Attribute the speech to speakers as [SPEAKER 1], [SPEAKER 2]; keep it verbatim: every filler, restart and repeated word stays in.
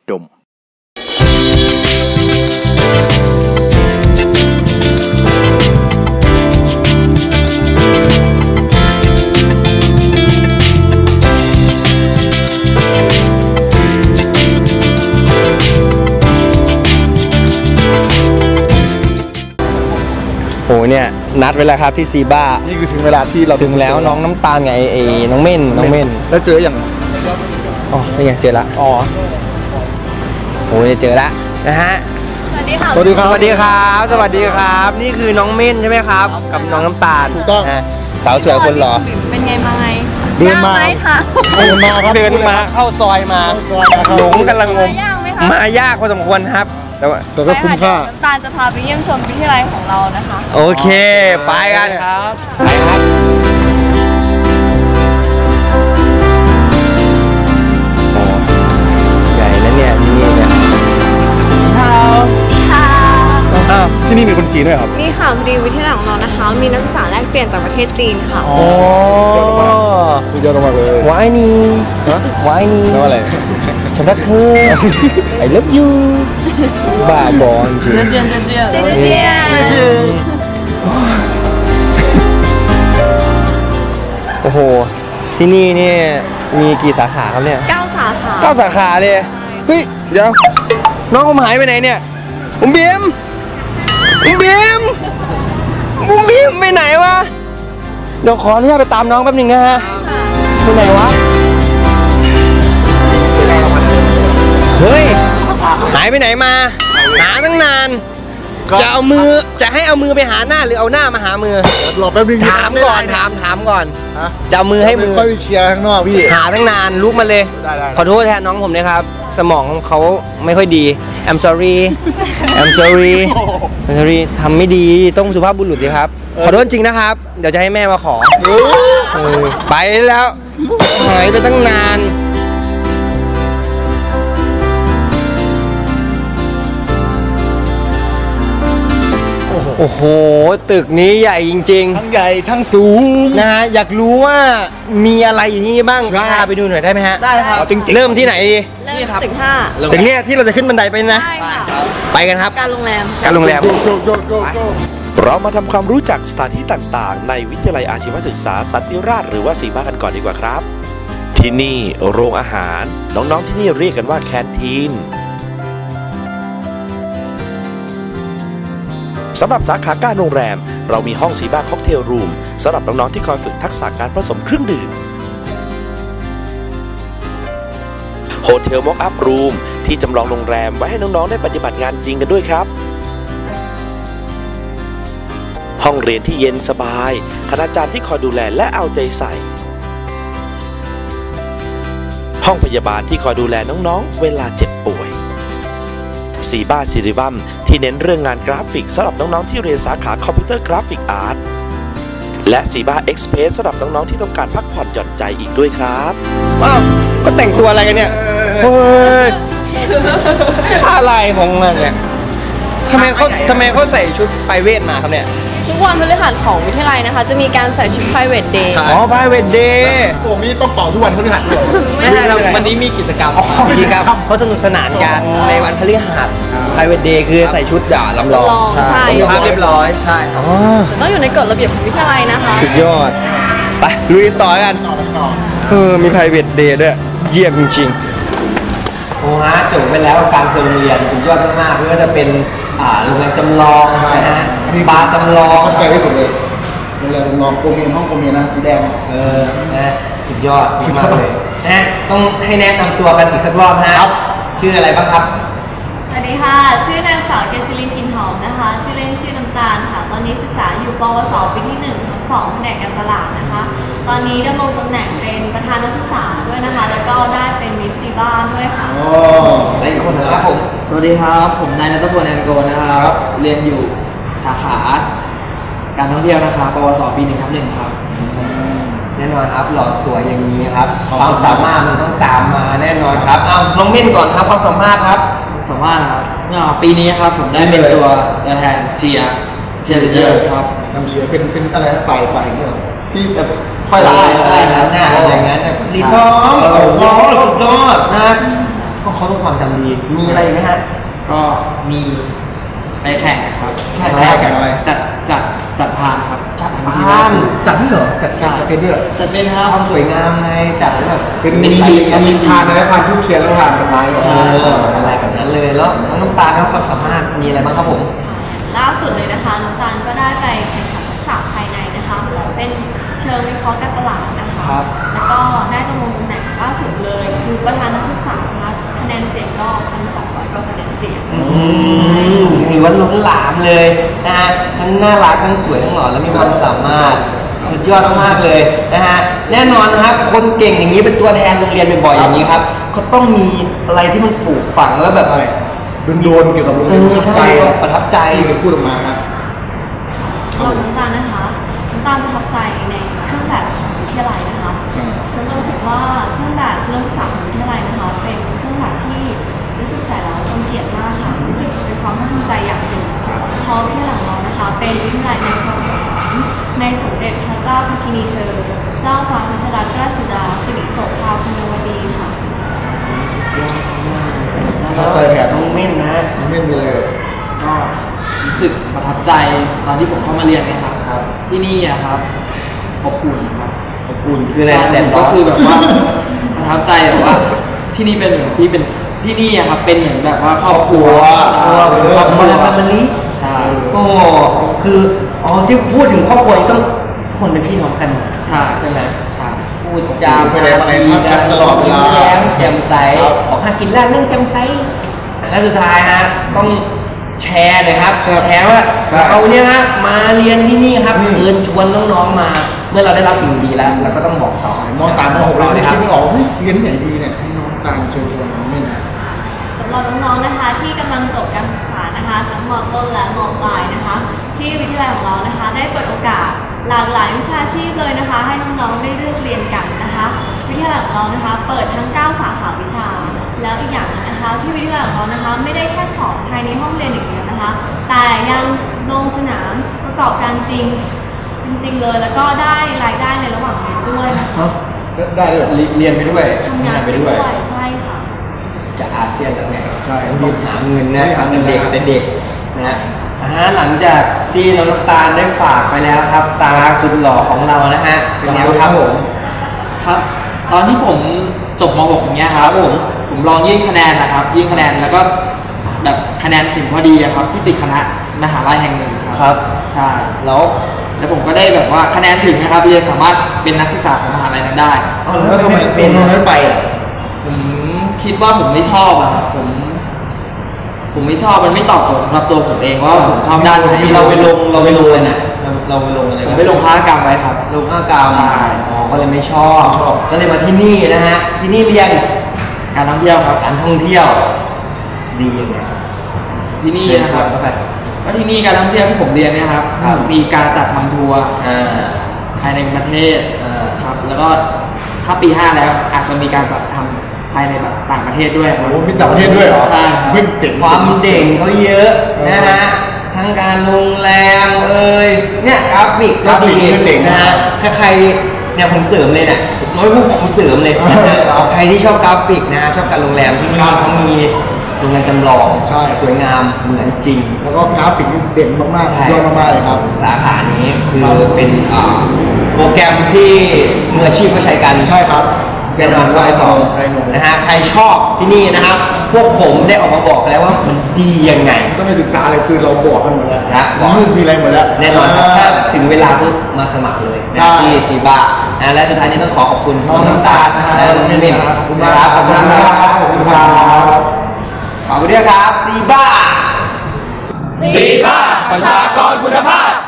[SPEAKER 1] ดม
[SPEAKER 2] โอ้เนี่ยนัดไว้แล้วครับที่ซีบ้า
[SPEAKER 3] นี่คือถึงเวลาที่เรา
[SPEAKER 2] ถึงแล้วน้องน้ำตาลไงไอ้น้องเม่นน้องเม่น
[SPEAKER 3] แล้วเจออย่าง
[SPEAKER 2] อ๋อนี่ไงเจอละอ๋อโอ้ยเจอละนะฮะ
[SPEAKER 3] สวัสดีครับสวัสดีครับ
[SPEAKER 2] สวัสดีครับสวัสดีครับนี่คือน้องเม่นใช่ไหมครับกับน้องน้ำตาล
[SPEAKER 3] ถูกต้อง
[SPEAKER 2] สาวสวยคนหล่อ
[SPEAKER 4] เป็นไงมาไง
[SPEAKER 3] เดินมาเดินมาครับ
[SPEAKER 2] เดินมาเข้าซอยมาหลงกำลังงมมายากพอสมควรครับแต่ว่า
[SPEAKER 3] แต่ก็คุ้มค่า
[SPEAKER 4] น้ำตาลจะพาไปเยี่ยมชมวิทยาลัยของเรานะคะ
[SPEAKER 2] โอเคไปกันครับไปครับโอ้ใหญ่นะเนี่ยที่นี่เนี่ย
[SPEAKER 4] ค่ะ
[SPEAKER 3] อ้าวที่นี่มีคนจีนด้วยครับ
[SPEAKER 4] นี่ค่ะพอดีวิทยาลัยของเรานะคะมีนักศึกษาแลกเปลี่ยนจากประเทศจีนค่ะ
[SPEAKER 2] โอ้
[SPEAKER 3] สุดยอดมากเลยว
[SPEAKER 2] ายนี่วายนี่
[SPEAKER 3] แล้วอะไร
[SPEAKER 2] ฉันรักเธอ I love you บ้าบอจริง
[SPEAKER 4] เจียนเจียนเจียนเจียนเจียน
[SPEAKER 2] โอ้โหที่นี่นี่มีกี่สาขาครับเนี่ย
[SPEAKER 4] เก้าสาขา
[SPEAKER 2] เก้าสาขาเลยเฮ้ยเดี๋ยวน้องผมหายไปไหนเนี่ยผมบีมผมบีมผมบีมไปไหนวะเดี๋ยวขออนุญาตไปตามน้องแป๊บนึงนะฮะไปไหนวะเฮ้ยหายไปไหนมาหาตั้งนานจะเอามือจะให้เอามือไปหาหน้าหรือเอาหน้ามาหามือ
[SPEAKER 3] รอแป๊บนึง
[SPEAKER 2] ถามก่อนถามถามก่อนจะเอามือให้มือ
[SPEAKER 3] ค่อยไปเคลียร์ข้างนอกพี่
[SPEAKER 2] หาตั้งนานลุกมาเลยขอโทษแทนน้องผมนะครับสมองเขาไม่ค่อยดี I'm sorry I'm sorry I'm sorry ทำไม่ดีต้องสุภาพบุรุษสิครับขอโทษจริงนะครับเดี๋ยวจะให้แม่มาขอไปแล้วหายไปตั้งนานโอ้โหตึกนี้ใหญ่จริง
[SPEAKER 3] ๆทั้งใหญ่ทั้งสูง
[SPEAKER 2] นะฮะอยากรู้ว่ามีอะไรอยู่นี่บ้างพาไปดูหน่อยได้ไหมฮะ
[SPEAKER 4] ได้ครับ
[SPEAKER 2] เริ่มที่ไหนดี
[SPEAKER 4] เริ่มตึกห้า
[SPEAKER 2] ตึกเนี้ยที่เราจะขึ้นบันไดไปนะไปกันครับ
[SPEAKER 4] การโรงแรม
[SPEAKER 2] การโรงแรม
[SPEAKER 1] เรามาทำความรู้จักสถานที่ต่างๆในวิทยาลัยอาชีวศึกษาสันติราษฎร์หรือว่าซีบ้ากันก่อนดีกว่าครับที่นี่โรงอาหารน้องๆที่นี่เรียกกันว่าแคนทีนสำหรับสาขาการโรงแรมเรามีห้องซีบ้าค็อกเทลรูมสำหรับน้องๆที่คอยฝึกทักษะการผสมเครื่องดื่มโฮเทลม็อกอัพรูมที่จำลองโรงแรมไว้ให้น้องๆได้ปฏิบัติงานจริงกันด้วยครับห้องเรียนที่เย็นสบายคณาจารย์ที่คอยดูแลและเอาใจใส่ห้องพยาบาลที่คอยดูแลน้องๆเวลาเจ็บป่วยซีบ้าซิริวัมที่เน้นเรื่องงานกราฟิกสำหรับน้องๆที่เรียนสาขาคอมพิวเตอร์กราฟิกอาร์ตและซีบ้าเอ็กซ์เพรสสำหรับน้องๆที่ต้องการพักผ่อนหย่อนใจอีกด้วยครับ
[SPEAKER 2] ว้าวก็แต่งตัวอะไรกันเนี่ยเฮ้ยอะไรของมันเนี่ยทำไมเขาทำไมเขาใส่ชุดไพรเวทมาครับเนี่ย
[SPEAKER 4] ทุกวันพฤหัสของวิทยาลัยนะคะจะมีการใส่ชุด private day
[SPEAKER 2] อ๋อ private day
[SPEAKER 3] โอ้นี่ต้องเป่าทุกวันพฤหัสเลย
[SPEAKER 2] ไม่ใช่วันนี้มีกิจกรรมกิจกรรมเขาสนุกสนานกันในวันพฤหัส private day คือใส่ชุดด่าลำลอง
[SPEAKER 4] ใช่
[SPEAKER 2] ต้องภาพเรียบร้อยใช่
[SPEAKER 4] ต้องอยู่ในกฎระเบียบของวิทยาลัยนะคะ
[SPEAKER 2] สุดยอดไปลุยต่อกันเออมี private day ด้วยเยี่ยมจริงๆโอ้ฮะจบไปแล้วการเทอมเรียนสุดยอดมากๆเพื่อจะเป็นอ่าโรงแรมจำลองนะฮะบาร์จำลอง
[SPEAKER 3] เข้าใจที่สุดเลยโรงแรมจำลองโกเมียนห้องโกเมียนนะสีแดง
[SPEAKER 2] เออนะสุดยอดมากเลยนะต้องให้แนะนำตัวกันอีกสักรอบนะครับชื่ออะไรบ้างครับ
[SPEAKER 4] สวัสดีค่ะชื่อนางสาวเกษริน กินหอมนะคะชื่อเล่นชื่อน้ำตาลค่ะตอนนี้ศึกษาอยู่ปวสปีที่หนึ่งทับสองแผนกการตลาดนะคะตอนนี้ดำรงตำแหน่งเป็นประธานนักศึกษาด้วยนะคะแล้วก็ได้เป็นมิสซีบ้านด้วยค่ะ
[SPEAKER 2] อ๋อและอีกคนนะครับผม
[SPEAKER 5] สวัสดีครับผมนายณัฐพล แอนโกนะครับเรียนอยู่สาขาการท่องเที่ยวนะคะปวสปีหนึ่งทับหนึ่งครับ
[SPEAKER 2] แน่นอนครับหล่อสวยอย่างนี้ครับความสามารถมันต้องตามมาแน่นอนครับเอาน้องเม่นก่อนครับความสามารถครับ
[SPEAKER 5] สามารถครับปีนี้ครับผมได้เป็นตัวตัวแทนเชียร์เชียร์ลีดเดอร์ครับ
[SPEAKER 3] นำเชียร์เป็นเป็นอะไรฝ่ายฝ่ายเนี่ยที่แบบ
[SPEAKER 2] ค่อยไล่ใช่ครับหน้าอย่างนั้นรีบร้องโอ้โหสุดยอดนะโอ้โหเขาต้องความจำดีมีอะไรไหมฮะ
[SPEAKER 5] ก็มีไปแข่งครับ
[SPEAKER 2] แข่ง
[SPEAKER 3] แข่งอะไร
[SPEAKER 5] จัดจัดจัดพานครับ
[SPEAKER 2] จัดพาน
[SPEAKER 3] จัดนี่เหรอจัดจัดจัดเป็นด้วยเหรอ
[SPEAKER 5] จัดเป็นครับ
[SPEAKER 2] ความสวยงามไงจัดแล้วแบบ
[SPEAKER 3] เป็นมีมีพานอะไรพานทุกเทียนแล้วพานต้นไม้เหรอ
[SPEAKER 2] ใช่อะไรแบบนั้นเลยแล้วน้องน้ำตาลครับความสามารถมีอะไรบ้างครับผม
[SPEAKER 4] ล่าสุดเลยนะคะน้ำตาลก็ได้ไปแข่งขันทักษะภายในนะคะเป็นเชิงวิเคราะห์การตลาดนะคะ แล้วก็ได้ดำรงตำแหน่งล่าสุดเลยคือประธานนักศึกษานะคะคะแนนเสียงก็พันสองร้อยกว่าคะแนนเสียง
[SPEAKER 2] อืมถือว่าล้นหลามเลยนะฮะทั้งน่ารักทั้งสวยทั้งหล่อและมีความสามารถสุดยอดมากๆเลยนะฮะแน่นอนนะครับคนเก่งอย่างนี้เป็นตัวแทนโรงเรียนบ่อยๆอย่างนี้ครับเขาต้องมีอะไรที่มันปลูกฝังแล้วแบบ
[SPEAKER 3] ใช่โดนๆเกี่ยวกับโรง
[SPEAKER 2] เอ
[SPEAKER 3] เรียน
[SPEAKER 2] อ
[SPEAKER 3] ประทับใจ
[SPEAKER 2] ใช่ประทับใจ
[SPEAKER 3] ที่จะพูดออกมาครับ
[SPEAKER 4] เราน้ำตาลนะคะน้ำตาลประทับใจในเครื่องแบบของวิทยาลัยนะคะน้ำตาลรู้สึกว่าเครื่องแบบเชิงศึกษาของวิทยาลัยนะคะเป็นเครื่องแบบที่รู้สึกใส่แล้วเป็นเกียรติมากค่ะรู้สึกเป็นความภาคภูมิใจอย่างหนึ่งเพราะวิทยาลัยของเรานะคะเป็นวิทยาลัยในความหมายในสมเด็จพระเจ้าพระกินีเธอเจ้าฟ้าพัชรราชสุดาสิริโสภาพนวดีค่ะ
[SPEAKER 3] ประทับใจแผน
[SPEAKER 2] น้องเม่นนะ
[SPEAKER 3] ไม่มีเลย
[SPEAKER 5] ก็รู้สึกประทับใจตอนที่ผมเข้ามาเรียนเนี่ยครับครับ ที่นี่อะครับอบอุ่นครับ
[SPEAKER 2] อบอุ่นคืออะไร
[SPEAKER 5] ใช่
[SPEAKER 2] แต่
[SPEAKER 5] ก็คือแบบว่า ประทับใจแบบว่าที่นี่เป็นเหมือนที่เป็นที่นี่อะครับเป็นเหมือนแบบว่าครอบครัว
[SPEAKER 3] ครอบครัว
[SPEAKER 2] ครอบครัวแฟมิลี่
[SPEAKER 5] ใช่
[SPEAKER 2] โอ้คืออ๋อที่พูดถึงครอบครัวนี่ต้องคนเป็นพี่น้องกัน
[SPEAKER 5] ใช่
[SPEAKER 2] ใช่ไหม
[SPEAKER 5] ใช่
[SPEAKER 2] พูดจา
[SPEAKER 3] ไปไหนมาไหนทักกันตลอดเวลา
[SPEAKER 2] แย้มแจ่มใส
[SPEAKER 3] ครับ
[SPEAKER 2] ออกหากินร้านนั่งแจ่มใสและสุดท้ายฮะต้องแชร์หน่อยครับ
[SPEAKER 3] ใช่
[SPEAKER 2] แชร์ว่า
[SPEAKER 3] ใช่
[SPEAKER 2] เราเนี่ยฮะมาเรียนที่นี่ครับ
[SPEAKER 3] อืม
[SPEAKER 2] เชิญชวนน้องๆมา เมื่อเราได้รับสิ่งดีแล้วเราก็ต้องบอกต่อ
[SPEAKER 3] มสามมหกเรา
[SPEAKER 2] เล
[SPEAKER 3] เลย ย
[SPEAKER 2] ครั
[SPEAKER 3] คิ
[SPEAKER 2] บ
[SPEAKER 3] ดไม่ออกเฮ้ยเรียนที่ไหนดีเนี่ยให้น้องตามเชิญชวนน้องเม่น
[SPEAKER 4] สำหรับน้องๆนะคะที่กำลังจบการศึกษานะคะทั้งมต้นและมปลายนะคะ ที่วิทยาลัยของเรานะคะ ได้เปิดโอกาสหลากหลายวิชาชีพเลยนะคะ ให้น้องๆได้เลือกเรียนกันนะคะ วิทยาลัยของเรานะคะ เปิดทั้งเก้าสาขาวิชา แล้วอีกอย่างหนึงนะคะ ที่วิทยาลัยของเรานะคะ ไม่ได้แค่สอนภายในห้องเรียนอย่างเดียวนะคะ แต่ยังลงสนามประกอบการจริงจริงๆเลย แล้วก็ได้รายได้ในระหว่างเรียนด้วยนะคะ
[SPEAKER 3] ได้ด้วยเหรอ
[SPEAKER 2] เรียนไปด้วย
[SPEAKER 4] ทำงานไปด้วยใช่ค่ะ
[SPEAKER 2] จะอาเซียนแล้วไง
[SPEAKER 3] ใช่
[SPEAKER 2] ต้องหาเงินนะ
[SPEAKER 3] หาเงิน
[SPEAKER 2] เด็ก
[SPEAKER 3] นะ
[SPEAKER 2] แต่เด็กนะฮะอ่าหลังจากที่น้องน้ำตาลได้ฝากไปแล้วครับ ตาสุดหล่อของเรานะฮะเป็นไงบ้างครับผม
[SPEAKER 5] ครับ ตอนที่ผมจบม หกอย่างเงี้ยครับผมผมลองยื่นคะแนนนะครับ ยื่นคะแนนแล้วก็แบบคะแนนถึงพอดีอะครับ ที่ติดคณะมหาลัยแห่งหนึ่งครับ
[SPEAKER 2] ครับ
[SPEAKER 5] ใช่แล้วแล้วผมก็ได้แบบว่าคะแนนถึงนะครับที่จะสามารถเป็นนักศึกษาของมหาลัยนั้นได้
[SPEAKER 2] เอา
[SPEAKER 3] แล้
[SPEAKER 2] แล้ว ว
[SPEAKER 3] ทำไม
[SPEAKER 2] ไม่
[SPEAKER 3] เป็
[SPEAKER 2] เป็น น
[SPEAKER 3] ทำไมไม่ไปอ่ะ
[SPEAKER 5] ผมคิดว่าผมไม่ชอบอะครับผม ผมไม่ชอบมันไม่ตอบโจทย์สำหรับตัวผมเองว่าผมชอบด้านไหน
[SPEAKER 2] เราไปลงเราไปลงอะไรนะเราเราไปลงอะไร
[SPEAKER 5] ผมไปลงค้ากรรมไว้ครับ
[SPEAKER 2] ลงข้ากาว
[SPEAKER 5] ใช่
[SPEAKER 2] อ๋อก็เลยไม่ชอบ
[SPEAKER 3] ไม่ชอบ
[SPEAKER 2] ก็เลยมาที่นี่นะฮะที่นี่เรียน
[SPEAKER 5] การท่องเที่ยวครับ
[SPEAKER 2] การท่องเที่ยวดียังไง
[SPEAKER 5] ที่นี่
[SPEAKER 2] เชิญ
[SPEAKER 5] นะ
[SPEAKER 2] ช
[SPEAKER 5] ค
[SPEAKER 2] ว
[SPEAKER 5] รั
[SPEAKER 2] น
[SPEAKER 5] บ
[SPEAKER 2] เข้าไป
[SPEAKER 5] ก็ที่นี่การท่องเที่ยวที่ผมเรียนเนี่ยครับ
[SPEAKER 2] ครับ
[SPEAKER 5] มีการจัดทำทัวร์
[SPEAKER 2] อ่า
[SPEAKER 5] ภายในประเทศ
[SPEAKER 2] อ่า
[SPEAKER 5] ครับ แล้วก็ถ้าปีห้าแล้วอาจจะมีการจัดทำภายในแบบต่างประเทศด้วยครับ
[SPEAKER 3] โอ้มีต่างประเทศด้วยเหรอ
[SPEAKER 5] ใช่ครับ
[SPEAKER 3] เฮ้ยเจ๋ง
[SPEAKER 2] ความเด่งเขาเยอะนะฮะทั้งการโรงแรมเอ่ยเนี่ยกราฟิกก็ดีนะฮะถ้าใครเนี่ยผมเสริมเลยเนี่ยน้อยพวกผมเสริมเลยใครที่ชอบกราฟิกนะชอบการโรงแรมที่นี่เขามีโรงแรมจำลองสวยงามเหมือนจริง
[SPEAKER 3] แล้วก็กราฟิกนี่เด่นมากๆสุดยอดมากๆเลยครับ
[SPEAKER 2] สาขานี้คือเป็นอ่าโปรแกรมที่มืออาชีพเขาใช้กัน
[SPEAKER 3] ใช่ครับ
[SPEAKER 2] แน่นอนว่าไอสอง
[SPEAKER 3] ไรโน
[SPEAKER 2] นะฮะใครชอบที่นี่นะครับ พวกผมได้ออกมาบอกแล้วว่ามันดียังไง
[SPEAKER 3] ต้องไปศึกษาเลยคือเราบอกกันหมดแล้ว
[SPEAKER 2] นะ
[SPEAKER 3] มีรูปมีอะไรหมดแล้ว
[SPEAKER 2] แน่นอนครับถ้าถึงเวลาปุ๊บมาสมัครเลย
[SPEAKER 3] ใช่
[SPEAKER 2] นะที่ซีบานะและสุดท้ายนี้ต้องขอขอบคุณ
[SPEAKER 3] น้องน้ำตาลนะฮะ
[SPEAKER 2] และน้องมิน
[SPEAKER 3] ขอบคุณมากครับ
[SPEAKER 2] ขอบคุณครับ
[SPEAKER 3] ขอบคุณครับ
[SPEAKER 2] ขอบคุณด้วยครับซีบา
[SPEAKER 6] สีบ้าประชากรคุณภาพ